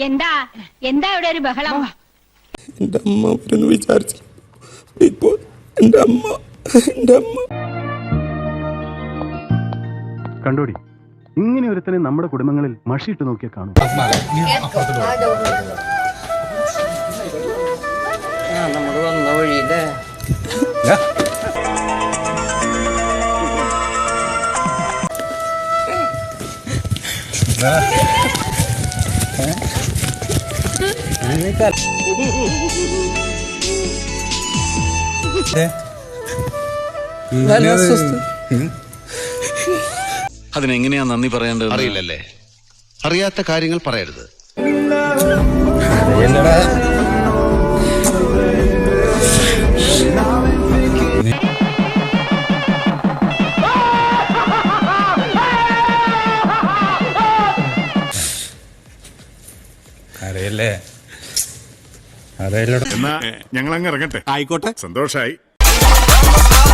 എന്താ എന്താ ഇവിടെ ഒരു ബഹളം? എന്റെ അമ്മ അവരൊന്ന് വിചാരിച്ചു. ഇപ്പോ എന്റെ അമ്മ കണ്ടോടി, ഇങ്ങനെ ഒരുത്തനെ നമ്മുടെ കുടുംബങ്ങളിൽ മഷിയിട്ട് നോക്കിയാൽ കാണും. നമ്മൾ വന്ന വഴിയില്ലേ അതിനെങ്ങനെയാ നന്ദി പറയേണ്ടത് അറിയില്ലല്ലേ. അറിയാത്ത കാര്യങ്ങൾ പറയരുത്. അറിയല്ലേ എന്നാ ഞങ്ങൾ അങ്ങ് ഇറങ്ങട്ടെ. ആയിക്കോട്ടെ, സന്തോഷായി.